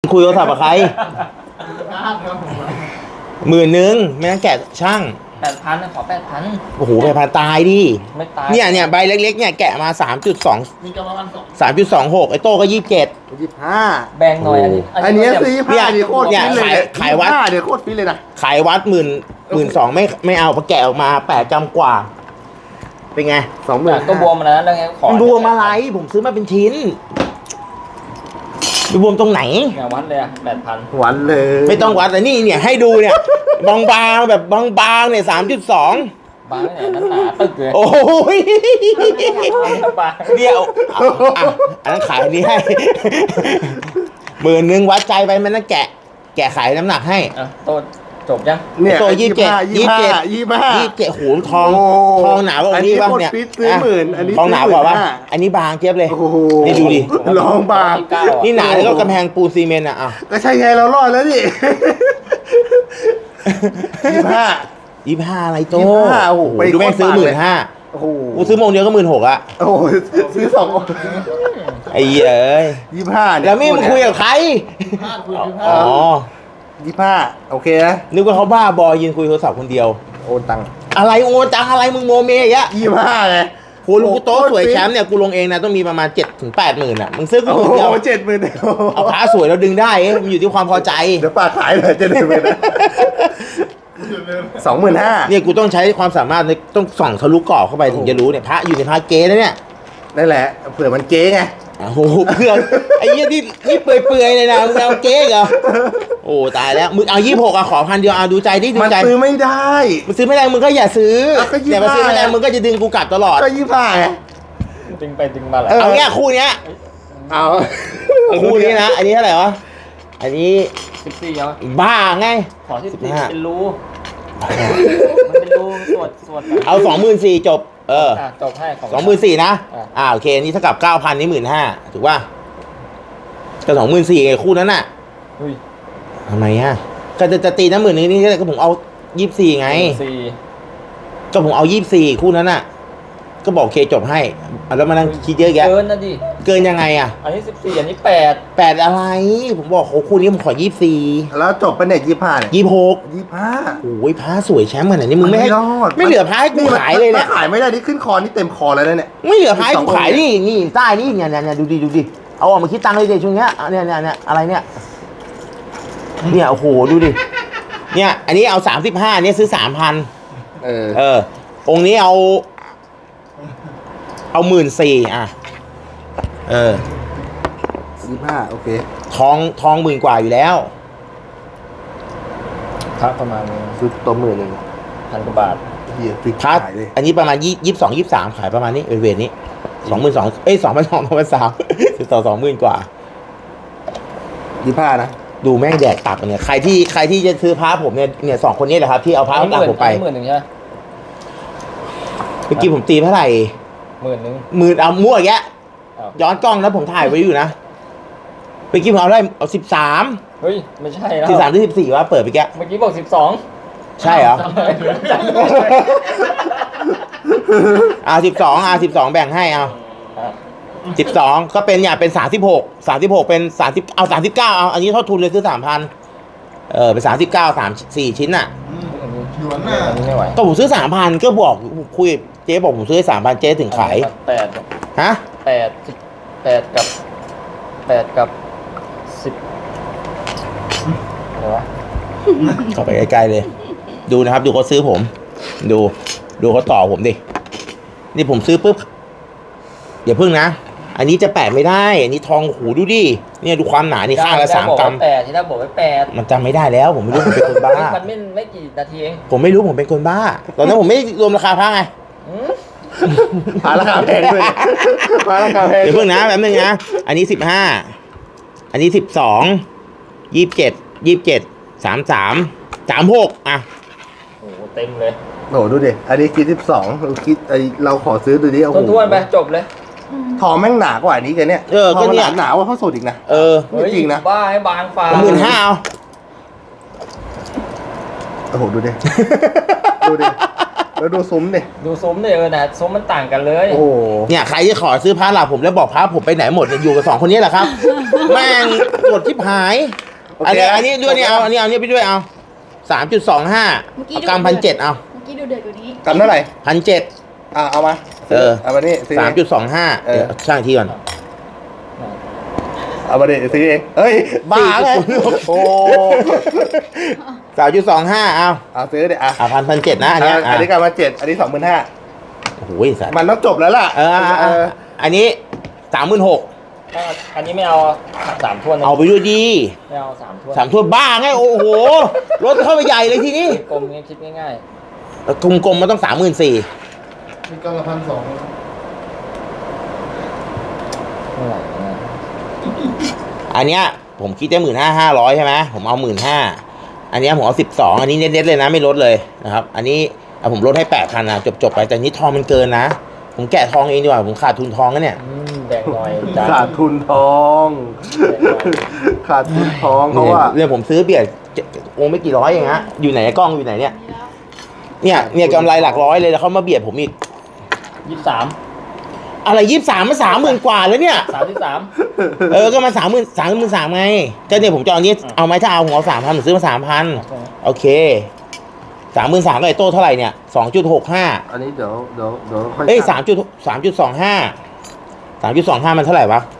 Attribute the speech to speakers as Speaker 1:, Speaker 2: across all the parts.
Speaker 1: คุยโทรศัพท์กับใคร10,000ไม่งั้นแกะช่าง
Speaker 2: 8,000ขอ8,000
Speaker 1: โอ้โห8,000ตายดิ
Speaker 2: ไม่ตาย
Speaker 1: เนี่ยใบเล็กๆเนี่ยแกะมา3.2
Speaker 3: มีกรรมการ
Speaker 1: 3.26ไอ้โต้ก็27
Speaker 3: 25
Speaker 2: แบ่งหน่อย
Speaker 3: อันนี้ซื้อ25นี่โคตรฟิตเลย
Speaker 1: ขายวัด
Speaker 3: เดี๋ยวโคตรฟิตเลยนะ
Speaker 1: ขายวัด12,000ไม่เอาพอแกะออกมา8 กรัมกว่าเป็นไง
Speaker 3: 20,000
Speaker 2: ก็บวมมาแล้วไงขอ
Speaker 1: มันบวมอะไรผมซื้อมาเป็นชิ้นไปบวมตรงไหน
Speaker 2: อย่าวัดเลย8,000
Speaker 3: หวานเลย
Speaker 1: ไม่ต้องวัดแต่นี่เนี่ยให้ดูเนี่ยบางๆแบบบางๆเนี่ย3.2
Speaker 2: บางไหนนั้นหนาตึกเลย
Speaker 1: โอ้ย
Speaker 2: บาง
Speaker 1: เดี๋ยวอันนั้นขายอันนี้ให้10,000วัดใจไปมันนั่นแกะขายน้ำหนักให้
Speaker 2: โตจบยัง
Speaker 3: เนี่ย
Speaker 1: ตัว
Speaker 3: 25
Speaker 1: หูทองหนากว่านี้ป่ะเนี่ย
Speaker 3: ซื้อ10,000อันนี้
Speaker 1: ทองหนากว่าป่ะอันนี้บางเทียบเลย
Speaker 3: โอ้โห
Speaker 1: นี่ดูดิ
Speaker 3: ลองบาง
Speaker 1: นี่หนาแล้วก็กำแพงปูนซีเมนต์อ่ะ
Speaker 3: ก็ใช่ไงเรารอดแล้วดิ
Speaker 1: 25อะไรโต
Speaker 3: 25โอ้โห
Speaker 1: ดูแม่งซื้อ15,000
Speaker 3: โอ้โห
Speaker 1: กูซื้อโมงเดียวก็16,000อ่ะ
Speaker 3: โอ้โหซื้อ
Speaker 1: ไอ้เหี้ยเอ้ย
Speaker 3: 25เนี่ย
Speaker 1: แล้วไม่มึงคุยกับใครอ๋อ
Speaker 3: 25โอเคนะ
Speaker 1: นึกว่าเขาบ้าบอยืนคุยโทรศัพท์คนเดียว
Speaker 3: โอนตังค์
Speaker 1: อะไรโอนจังอะไรมึงโมเมอย่างเงี้ย
Speaker 3: 25ไง
Speaker 1: โหลูกกูโต๊ะสวยแชมป์เนี่ยกูลงเองนะต้องมีประมาณ7-8 หมื่นอ่ะมึงซื้อกู
Speaker 3: โอ้
Speaker 1: คนเดียว
Speaker 3: โห70,000
Speaker 1: เอาพระสวยเราดึงได้มันอยู่ที่ความพอใจ
Speaker 3: เดี๋ยวป้าขายเลย70,000นะ25,000
Speaker 1: เนี่ยกูต้องใช้ความสามารถในต้องส่องทะลุกรอบเข้าไปถึงจะรู้เนี่ยพระอยู่ในพระเก๊แล้วเนี่ย
Speaker 3: นั่นแหละเผื่อมันเก๊ไง
Speaker 1: โอ้โหเพื่อนไอ้เหี้ยนี่เปื่อยๆเลยนะมึงเอาเก๊เหรอโอ้ตายแล้วมึงเอา26อ่ะขอ1,000เดียวเอาดูใจดิดู
Speaker 3: มัน
Speaker 1: ใจ
Speaker 3: ซื้อไม่ได้
Speaker 1: มึงซื้อไม่ได้มึงก็อย่าซื้อ
Speaker 3: ก็25
Speaker 1: แต่มาซื้อไม่ได้มึงก็จะดึงกูกลับตลอด
Speaker 3: ก็25ไง
Speaker 2: ดึงไปดึงมาแหละ
Speaker 1: เอาเนี้ยคู่เนี้ย
Speaker 3: เอา
Speaker 1: คู่นี้นะอันนี้เท่าไหร่วะอันนี้
Speaker 2: 14เอา
Speaker 1: บ้าไง
Speaker 2: ขอ14เป็นรูมันเป็นรูสวด
Speaker 1: เอา24,000จบ
Speaker 2: จบให้ของ
Speaker 1: 24,000นะโอเคอันนี้เท่ากับ9,000นี่15,000ถูกป่ะก็24,000ไงคู่นั้นน่ะ
Speaker 2: อุ้ย
Speaker 1: ทำไมอ่ะก็จะตีนะ10,000นี่ก็ผมเอา24ไงก็ผมเอา24คู่นั้นน่ะก็บอกเคจบให้แล้วมานั่งคิดเยอะแยะ
Speaker 2: เกินนะดิ
Speaker 1: เกินยังไงอ่ะ
Speaker 2: อันนี้14อันนี้
Speaker 1: 8อะไรผมบอกโอ้คู่นี้ผมขอ24
Speaker 3: แล้วจบเป็นเน็ต25เนี่ย
Speaker 1: 26
Speaker 3: 25
Speaker 1: โอ้ยพระสวยแชมป์ขนาดนี้มึงไม่ให้
Speaker 3: รอด
Speaker 1: ไม่เหลือพระให้กูขายเลยเนี่ย
Speaker 3: ขายไม่ได้นี่ขึ้นคอนี่เต็มคอแล้วนะเนี่ย
Speaker 1: ไม่เหลือพระให้กูขายนี่ใต้นี่เนี่ยดูดิเอาออกมาคิดตังค์เลยเดี๋ยวช่วงเนี้ยเนี่ยอะไรเนี่ยโอ้โหดูดิเนี่ยอันนี้เอา35เนี่ยซื้อ 3,000องค์นี้เอา14,000อ่ะ
Speaker 3: 25โอเค
Speaker 1: ทอง10,000กว่าอยู่แล้ว
Speaker 2: พระประมาณ
Speaker 3: ซื้อตัว10,000
Speaker 2: 1,000 กว่าบาท
Speaker 3: เฮียฟิก
Speaker 1: พาร์ท
Speaker 3: ขายเลย
Speaker 1: อันนี้ประมาณ23ขายประมาณนี้เวทนี้22,0002,200 ซื้อต่อ20,000กว่า
Speaker 3: 25นะ
Speaker 1: ดูแม่งแดกตับเนี่ยใครที่จะซื้อพระผมเนี่ย2คนนี้แหละครับที่เอาพระตามผมไป
Speaker 2: 10,000ใช่ไหม
Speaker 1: เมื่อกี้ผมตีเท่าไหร่10,000เอามั่วแยะย้อนกล้องแล้วผมถ่ายไว้อยู่นะเมื่อกี้ผมเอาได้เอา13
Speaker 2: เฮ้ยไม่ใช่แล้ว
Speaker 1: 13หรือ14วะเปิดไปแก
Speaker 2: เมื่อกี้บอก12
Speaker 1: ใช่เหรอ12แบ่งให้เอา12ก็เป็นเนี่ยเป็น36เป็น30เอา39เอาอันนี้เท่าทุนเลยซื้อ 3,000เป็น39 4ชิ้นน่ะ
Speaker 3: หยวนหน้า
Speaker 2: อันนี้ไม่ไหว
Speaker 1: ก็ผมซื้อ 3,000ก็บอกคุยเจ๊บอกผมซื้อ 3,000เจ๊ถึงขาย
Speaker 2: 8
Speaker 1: ฮะ
Speaker 2: 8กับ10อะไรวะ
Speaker 1: เข้าไปใกล้ๆเลยดูนะครับดูเขาซื้อผมดูเขาต่อผมดินี่ผมซื้อปุ๊บอย่าพึ่งนะอันนี้จะแปะไม่ได้อันนี้ทองหูดูดิเนี่ยดูความหนานี่ข้างละ3 กรัม
Speaker 2: ที่น่าบอกไว้8
Speaker 1: มันจำไม่ได้แล้วผมไม่รู้ผมเป็นคนบ้า
Speaker 2: มันไม่กี่นาทีเอง
Speaker 1: ผมไม่รู้ผมเป็นคนบ้าตอนนั้นผมไม่รวมราคาพระไง
Speaker 3: หาราคาแพงด้วยหาราคาแพง
Speaker 1: เดี๋ยวเพิ่งนะแป๊บนึงนะอันนี้15อันนี้12 27 33 36อ่ะ
Speaker 2: โอ้โหเต็มเลย
Speaker 3: โหดูดิอันนี้คิด12คิดเราขอซื้อดูดิโอ้โห
Speaker 2: ทวนไปจบเลย
Speaker 3: ทองแม่งหนากว่านี้กันเนี่ย
Speaker 1: ก็เนี่ย
Speaker 3: หนาว่าเขาสดอีกนะ
Speaker 1: ไม่
Speaker 3: จริงนะ
Speaker 2: บ้าให้บางฟ้า
Speaker 1: 15,000เอา
Speaker 3: โอ้โหดูดิแล้วดูซุ้มดิ
Speaker 2: ดูซุ้มดินะซุ้มมันต่างกันเลย
Speaker 3: โอ้โห
Speaker 1: เนี่ยใครที่ขอซื้อพระหลักผมแล้วบอกพระผมไปไหนหมดเนี่ยอยู่กับสองคนนี้แหละครับ แม่งปวดทิพหาย อันนี้ด้วยนี่เอาอันนี้ไปด้วยเอา3.25กรัม1,700เอา
Speaker 4: เมื่อกี้ดูเดือดกว่านี้
Speaker 3: กำเท่าไหร่
Speaker 1: 1,700
Speaker 3: เอามา เอามานี่ซื้อ
Speaker 1: 3.25
Speaker 3: เออ
Speaker 1: เดี๋ยวช่างอีกทีก่อน
Speaker 3: เอามาดิซื้อเองเฮ้ย บ้าไงโอ้
Speaker 1: 3.25เอา
Speaker 3: เอาซื้อดิอ่ะ
Speaker 1: 1,700นะอันเนี้ย
Speaker 3: อันนี้กำมา7อันนี้25,000
Speaker 1: โอ้โหสัตว์
Speaker 3: มันต้องจบแล้วล่ะ
Speaker 1: อันนี้36,000
Speaker 2: ถ้าอันนี้ไม่เอา3 ถ้วนนะ
Speaker 1: เอาไปด้วยดี
Speaker 2: ไม่เอา3 ถ้วน
Speaker 1: 3 ถ้วยบ้าไงโอ้โหรถเข้าไปใหญ่เลยทีนี้
Speaker 2: กลมงี้คิดง่าย
Speaker 1: กลมๆมันต้อง 34,000
Speaker 3: มีกำละ1,200
Speaker 2: ๆไม่ไหวนะ
Speaker 1: อันเนี้ยผมคิดได้15,500ใช่ไหมผมเอา15,000อันเนี้ยผมเอา12อันนี้เน็ตๆเลยนะไม่ลดเลยนะครับอันนี้ผมลดให้8,000นะจบไปแต่นี้ทองมันเกินนะผมแกะทองเองดีกว่าผมขาดทุนทองนะเนี่ย
Speaker 2: แบ่งหน่อยจ้า
Speaker 3: ขาดทุนทอง ขาดทุนทองเพราะว่า
Speaker 1: เนี่ยผมซื้อเบียดองค์ไม่กี่ร้อยเองฮะอยู่ไหนกล้องอยู่ไหนเนี่ย
Speaker 4: นี่แล้ว
Speaker 1: เนี่ยกำไรหลักร้อยเลยแล้วเขามาเบียดผมอีก
Speaker 2: 23
Speaker 1: อะไร23มา30,000 กว่าแล้วเนี่ย
Speaker 2: 33
Speaker 1: ก็มา33,000ไงก็เนี่ยผมจะเอาอันนี้เอาไหมถ้าเอาผมเอา3,000ผมซื้อมา3,000โอเค33,000ก็ไอ้โต้เท่าไหร่เนี่ย2.65
Speaker 3: อันนี้เดี๋ยวค่อย
Speaker 1: เอ้ย3.25 3.25มันเท่าไหร่วะ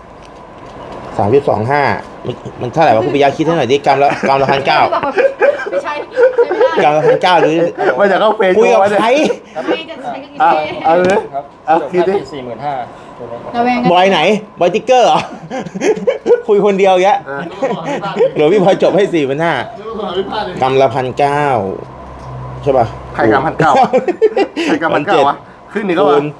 Speaker 1: 3.25มันเท่าไหร่วะคุณปิยะคิดให้หน่อยดิกรัมละ1,900
Speaker 4: ไม่ใช่ไม่ได้
Speaker 1: กรัมละ1,900หรือ
Speaker 3: ไม่จะเข้าเฟซ
Speaker 1: คุยกับ
Speaker 3: ไว้เนี่ย
Speaker 1: ใคร
Speaker 4: ไม่จะใช้ก็กิน
Speaker 3: อ่ะ
Speaker 4: เอง
Speaker 3: เอาเลย
Speaker 2: ครับ
Speaker 3: เอา
Speaker 2: จบ
Speaker 3: คิดดิ
Speaker 2: ที่45,000ตัวนี้
Speaker 4: ระแวง
Speaker 1: บอยไหนบอยติ๊กเกอร์เหรอ คุยคนเดียวแยะหรือพี่พลอยจบให้4,500กรัมละ1,900ใช่ป่ะ
Speaker 3: ใครกำ1,900ใครกำ1,900วะขึ้นนี่ก็
Speaker 1: คู
Speaker 3: ว่า
Speaker 1: ณ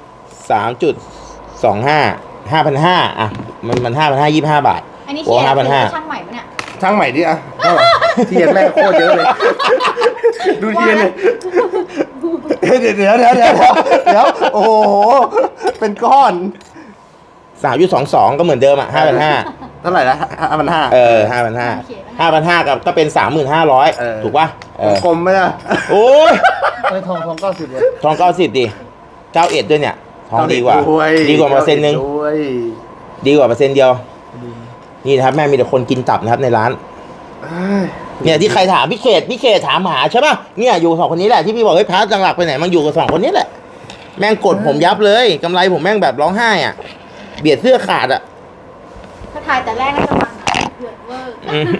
Speaker 1: 3.25 5,500อ่ะมัน5,500 25 บาท
Speaker 4: อันนี้
Speaker 1: โอ้
Speaker 4: เขียน
Speaker 1: 5,500
Speaker 4: ช่างใหม่ปะเนี่ย
Speaker 3: ช่างใหม่ดิอ่ะเท่าไหร่เทียนแม่งโคตรเยอะเลย ดูเทียนเลยเดี๋ยวโอ้โห เป็นก้อน
Speaker 1: 3.22 ก็เหมือนเดิมอ่ะ 5,500
Speaker 3: เท่าไหร่ละ5,500
Speaker 1: 5,500 กับก็เป็น 3,500 ถูกป่ะ
Speaker 3: กลมไหมอ่ะ
Speaker 1: โอ้ย
Speaker 3: ทอง90เลย
Speaker 1: ทอง90ดิ91ด้วยเนี่ย ทองดีกว่า ดีกว่าเปอร์เซ็นต์นึง
Speaker 3: ด้วย
Speaker 1: ดีกว่าเปอร์เซ็นต์เดียว นี่นะครับแม่มีแต่คนกินตับนะครับในร้าน
Speaker 3: เอ้ย
Speaker 1: เนี่ยที่ใครถามพี่เขตถามหาใช่ป่ะ เนี่ยอยู่สองคนนี้แหละที่พี่บอกเฮ้ยพระจังหลักไปไหนมันอยู่กับสองคนนี้แหละ แม่งกดผมยับเลยกำไรผมแม่งแบบร้องไห้อ่ะ เบียดเสื้อขาดอ่ะ
Speaker 4: ถ้าถ่ายแต่แรกน่าจะมันอะเดือดเวอร์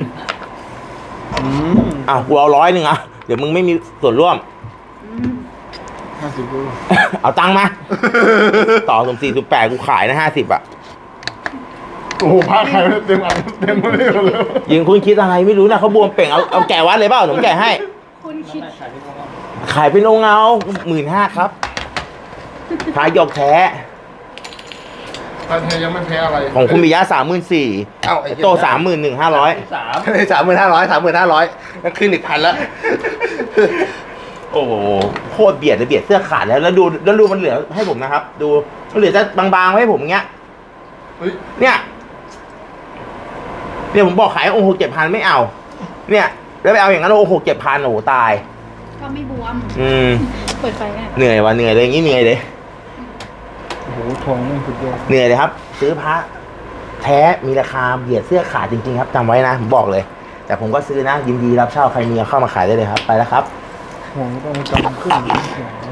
Speaker 1: อ้าวกูเอา100อ่ะเดี๋ยวมึงไม่มีส่วนร่วม เอาตังค์มา ต่อสม4.8กูขายนะ50อ่ะ
Speaker 3: โอ้โหผ้าใครเต็มหมดเลย
Speaker 1: ยิงคุณคิดอะไรไม่รู้นะเขาบวมเป่งเอาแก่วัดเลยเปล่าหนูแก่ให้
Speaker 4: คุณคิด
Speaker 1: ขายเป็นโรงเงา15,000ครับขายหยกแท้
Speaker 3: พันเทยังไม่แพ้อะไร
Speaker 1: ของคุณปิยะ34,000
Speaker 3: เอ้าไอ้เหี้ย
Speaker 1: โต31,500
Speaker 2: 3
Speaker 3: 35,000นั่นขึ้นอีก1,000แล้ว
Speaker 1: โอ้โหโคตรเบียดเลยเบียดเสื้อขาดแล้วดูมันเหลือให้ผมนะครับ ดูมันเหลือจะบางๆไว้ให้ผมอย่างเงี้ยเนี่ยผมบอกขายองค์6-7,000ไม่เอา เนี่ยแล้วไปเอาอย่างนั้นองค์6-7,000โอ้โหตาย
Speaker 4: ก็ไม่บวม เปิดไฟแน่
Speaker 1: เหนื่อยว่ะเหนื่อยเลยอย่างงี้เหนื่อยเลย
Speaker 2: โอ้โหทองนี่สุดยอด
Speaker 1: เหนื่อยเลยครับ ซื้อพระแท้มีราคาเบียดเสื้อขาดจริงๆครับจำไว้นะผมบอกเลย แต่ผมก็ซื้อนะยินดีรับเช่าใครมีเอาเข้ามาขายได้เลยครับ ไปแล้วครับ
Speaker 2: โอ้โหต้องจำขึ้น